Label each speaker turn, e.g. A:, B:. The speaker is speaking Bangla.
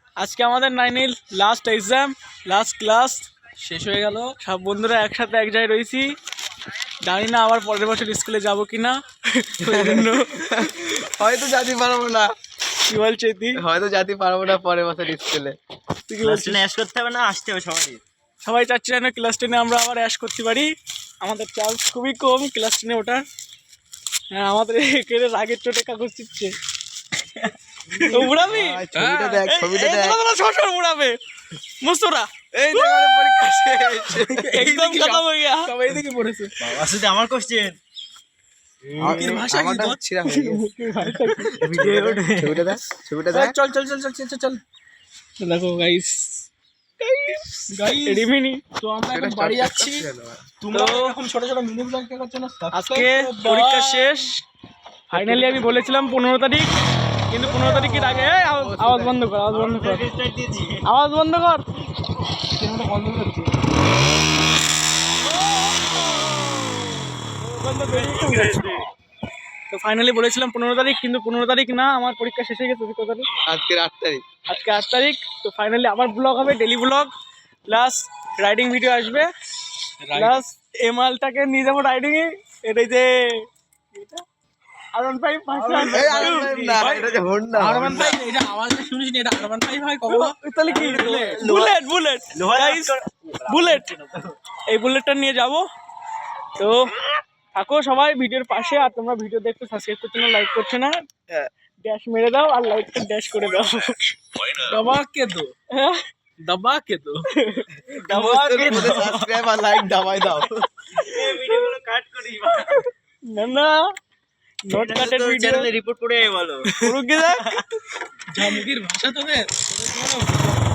A: আজকে আমাদের 9 লাস্ট এক্সাম, লাস্ট ক্লাস শেষ হয়ে গেল। সব বন্ধুরা একসাথে এক জায়গায় রয়েছি। জানি না আবার পরের বছর স্কুলে যাবো কিনা।
B: হয়তো যেতে পারবো না।
A: কি বলছে তুই?
B: হয়তো যেতে পারবো না পরের বছর স্কুলে।
A: তুই কি বলছিস?
C: অ্যাশ করতে হবে না, আসতে হবে সবাই।
A: সবাই চাচ্ছে না ক্লাস 10-এ আমরা আবার অ্যাশ করতে পারি। আমাদের চান্স খুবই কম ক্লাস 10-এ ওঠার। হ্যাঁ, আমাদের এখানে রাগের চোটে কাগজ চিপছে। উড়াবি?
B: ছবিটা দেখ, ছবিটা দেখ।
A: শ্বশুর উড়াবে মুস্তরা।
B: এই দেখ আমাদের পরীক্ষা শেষ।
A: একদম খতম হয়ে গেল।
B: সবাই এদিকে পড়েছে।
C: বাবা শুধু আমার কোশ্চেন।
B: মুখের ভাষা কি তোর? ছিড়া হয়ে গেছে। ছবিটা দেখ, ছবিটা দেখ।
A: চল চল চল চল চল চল। দেখো গাইস, রিমিনি
B: তো আমরা এখন বাড়ি যাচ্ছি। তোমরা এখন ছোট ছোট মিনি ব্লগ দেখার জন্য
A: আজকে পরীক্ষা শেষ। ফাইনালি আমি বলেছিলাম 15 তারিখ, কিন্তু 15 তারিখের আগে আওয়াজ বন্ধ কর, আওয়াজ বন্ধ কর, আওয়াজ বন্ধ কর।
B: বন্ধ করছি।
A: তো ফাইনালি বলেছিলাম 15 তারিখ, কিন্তু 15 তারিখ না, আমার পরীক্ষা শেষ হয়ে গেছে। কত তারিখ?
B: আজকে 8 তারিখ।
A: আজকে 8 তারিখ। তো ফাইনালি আবার ব্লগ হবে, daily vlog plus riding video আসবে, প্লাস এমালটাকে নিয়ে যাবো রাইডিং এ। এটাই যে R15
B: এই আর না, এটা যে হোন্ডা।
A: R15, এটা আওয়াজটা শুনিস নি? এটা R15 হয় কখনো? তাহলে কি? Bullet, bullet guys, bullet. এই বুলেটটা নিয়ে যাব। তো থাকো সবাই ভিডিওর পাশে। আর তোমরা ভিডিও দেখতে সাবস্ক্রাইব করছো না, লাইক করছো না, ড্যাশ মেরে দাও আর লাইকটা ড্যাশ করে দাও।
B: দবা কে দো,
A: হ্যাঁ,
B: দবা কে দো,
A: দবা কে দো।
B: সাবস্ক্রাইব আর লাইক দাবাই দাও।
C: এই ভিডিওগুলো কাট করি।
A: না না, নট কাটেড ভিডিও
C: চ্যানেলে রিপোর্ট করে বলো।
A: পুরো কি দেখ
B: জামুকির ভাষা তোদের